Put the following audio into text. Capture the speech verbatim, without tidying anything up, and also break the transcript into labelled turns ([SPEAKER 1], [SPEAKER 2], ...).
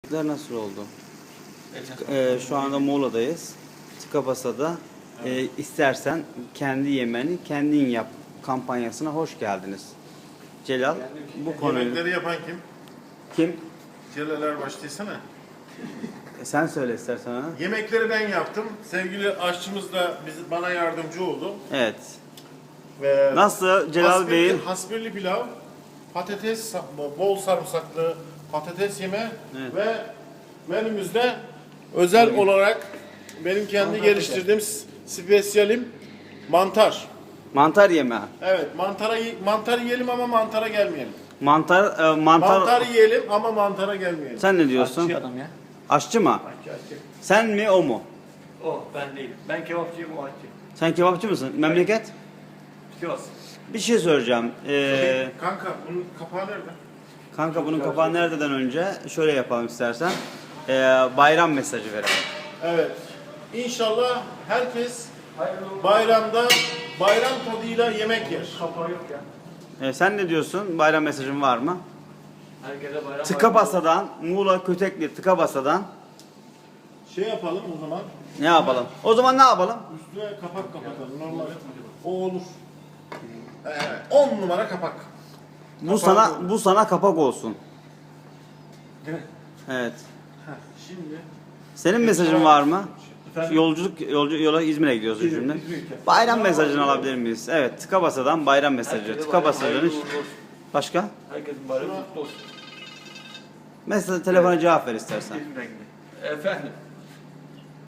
[SPEAKER 1] Yemekler nasıl oldu? Ee, şu anda Muğla'dayız. Tıka basada e, istersen kendi yemeni kendin yap kampanyasına hoş geldiniz. Celal, bu konuyu...
[SPEAKER 2] Yemekleri yapan kim?
[SPEAKER 1] Kim?
[SPEAKER 2] Celal Erbaş desene.
[SPEAKER 1] E, sen söyle istersen ha.
[SPEAKER 2] Yemekleri ben yaptım. Sevgili aşçımız da bizi, bana yardımcı oldu.
[SPEAKER 1] Evet.
[SPEAKER 2] Ve
[SPEAKER 1] Nasıl Celal
[SPEAKER 2] hasbirli,
[SPEAKER 1] Bey'in?
[SPEAKER 2] hasbirli pilav, patates, bol sarımsaklı patates yeme
[SPEAKER 1] Evet.
[SPEAKER 2] ve menümüzde özel olarak benim kendi geliştirdiğim spesiyalim mantar.
[SPEAKER 1] Mantar yemeği.
[SPEAKER 2] Evet, mantara mantar yiyelim ama mantara gelmeyelim.
[SPEAKER 1] Mantar, e, mantar...
[SPEAKER 2] Mantar yiyelim ama mantara gelmeyelim.
[SPEAKER 1] Sen ne diyorsun?
[SPEAKER 3] Aşçı adam ya.
[SPEAKER 1] Aşçı mı?
[SPEAKER 3] Aşçı aşçı.
[SPEAKER 1] Sen mi o mu?
[SPEAKER 3] O ben değilim. Ben kebapçıyım, o aşçı.
[SPEAKER 1] Sen kebapçı mısın? Memleket?
[SPEAKER 3] Sivas.
[SPEAKER 1] Bir şey soracağım. Ee,
[SPEAKER 2] Kanka bunun kapağı nerede?
[SPEAKER 1] kanka bunun kapağı nerededen önce şöyle yapalım istersen. Ee, bayram mesajı verelim.
[SPEAKER 2] Evet. İnşallah herkes bayramda bayram tadıyla yemek yer.
[SPEAKER 3] Kapağı yok ya.
[SPEAKER 1] Ee, sen ne diyorsun? Bayram mesajın var mı?
[SPEAKER 3] Herkese bayram
[SPEAKER 1] Tıkabasa'dan, Muğla Kötekli Tıkabasa'dan
[SPEAKER 2] Şey yapalım o zaman.
[SPEAKER 1] ne yapalım? O zaman ne yapalım?
[SPEAKER 2] Üstüne kapak kapatalım. Normal. O olur. Evet. on numara kapak.
[SPEAKER 1] Bu sana bu sana kapak olsun.
[SPEAKER 3] Değil mi?
[SPEAKER 1] Evet.
[SPEAKER 2] Heh, şimdi
[SPEAKER 1] Senin mesajın var mı?
[SPEAKER 3] Efendim?
[SPEAKER 1] Yolculuk yolcu yola İzmir'e gidiyoruz
[SPEAKER 3] İzmir,
[SPEAKER 1] şimdi.
[SPEAKER 3] İzmir ülke.
[SPEAKER 1] Bayram mesajını alabilir miyiz? Evet, Tıkabasa'dan bayram mesajı.
[SPEAKER 3] Herkese
[SPEAKER 1] Tıkabasa'nın
[SPEAKER 3] bayram hayırlı uğurlu olsun.
[SPEAKER 1] başka?
[SPEAKER 3] Herkesin bayramı kutlu olsun.
[SPEAKER 1] Mesela telefona cevap ver istersen.
[SPEAKER 3] İzmir'den gidiyor. Efendim.